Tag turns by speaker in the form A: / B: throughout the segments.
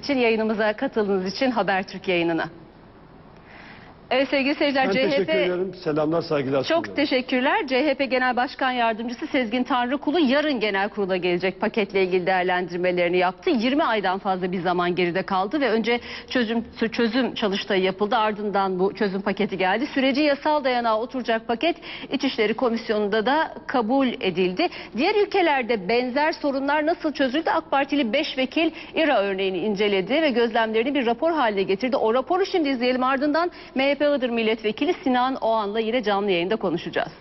A: için, yayınımıza katıldığınız için Habertürk yayınına. Evet sevgili seyirciler,
B: Ben teşekkür ederim. Selamlar, saygılar.
A: Çok teşekkürler. CHP Genel Başkan Yardımcısı Sezgin Tanrıkulu yarın genel kurula gelecek, paketle ilgili değerlendirmelerini yaptı. 20 aydan fazla bir zaman geride kaldı ve önce çözüm çalıştayı yapıldı. Ardından bu çözüm paketi geldi. Süreci yasal dayanağa oturacak paket İçişleri Komisyonu'nda da kabul edildi. Diğer ülkelerde benzer sorunlar nasıl çözüldü? AK Partili 5 vekil İRA örneğini inceledi ve gözlemlerini bir rapor haline getirdi. O raporu şimdi izleyelim, ardından MHP Iğdır Milletvekili Sinan Oğan'la yine canlı yayında konuşacağız.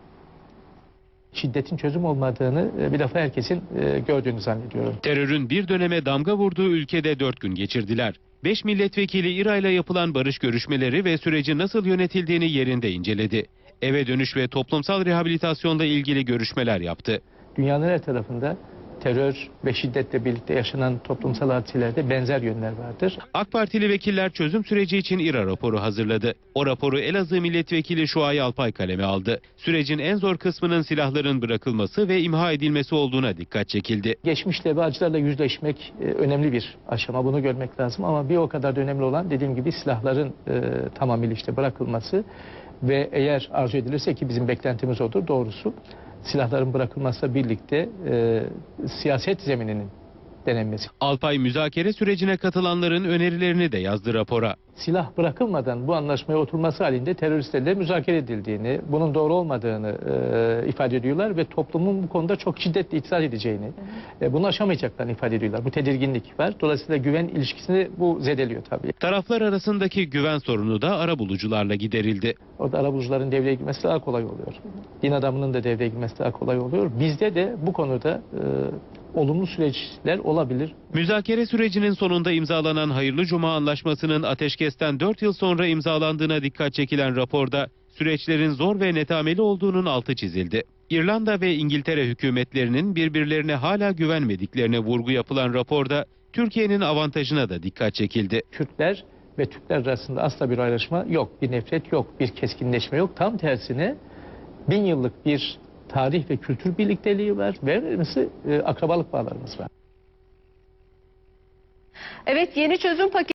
C: Şiddetin çözüm olmadığını bir defa herkesin gördüğünü zannediyorum.
D: Terörün bir döneme damga vurduğu ülkede 4 gün geçirdiler. 5 milletvekili İRA ile yapılan barış görüşmeleri ve süreci nasıl yönetildiğini yerinde inceledi. Eve dönüş ve toplumsal rehabilitasyonla ilgili görüşmeler yaptı.
C: Dünyanın her tarafında terör ve şiddetle birlikte yaşanan toplumsal hadiselerde benzer yönler vardır.
D: AK Partili vekiller çözüm süreci için İRA raporu hazırladı. O raporu Elazığ Milletvekili Şuay Alpay kaleme aldı. Sürecin en zor kısmının silahların bırakılması ve imha edilmesi olduğuna dikkat çekildi.
C: Geçmişte ve acılarla yüzleşmek önemli bir aşama. Bunu görmek lazım ama bir o kadar da önemli olan, dediğim gibi, silahların tamamıyla işte bırakılması ve eğer arzu edilirse, ki bizim beklentimiz odur doğrusu, silahların bırakılmasıyla birlikte siyaset zemininin denenmesi.
D: Alpay müzakere sürecine katılanların önerilerini de yazdı rapora.
C: Silah bırakılmadan bu anlaşmaya oturması halinde teröristlerle müzakere edildiğini, bunun doğru olmadığını ifade ediyorlar ve toplumun bu konuda çok şiddetle itiraz edeceğini, bunu aşamayacaklarını ifade ediyorlar. Bu tedirginlik var. Dolayısıyla güven ilişkisini bu zedeliyor tabii.
D: Taraflar arasındaki güven sorunu da arabulucularla giderildi.
C: Orada arabulucuların devreye girmesi daha kolay oluyor. Din adamının da devreye girmesi daha kolay oluyor. Bizde de bu konuda olumlu süreçler olabilir.
D: Müzakere sürecinin sonunda imzalanan Hayırlı Cuma Anlaşması'nın ateşkesten 4 yıl sonra imzalandığına dikkat çekilen raporda süreçlerin zor ve netameli olduğunun altı çizildi. İrlanda ve İngiltere hükümetlerinin birbirlerine hala güvenmediklerine vurgu yapılan raporda Türkiye'nin avantajına da dikkat çekildi.
C: Kürtler ve Türkler arasında asla bir ayrışma yok, bir nefret yok, bir keskinleşme yok. Tam tersine 1000 yıllık bir tarih ve kültür birlikteliği var ve akrabalık bağlarımız var.
A: Evet, yeni çözüm paketi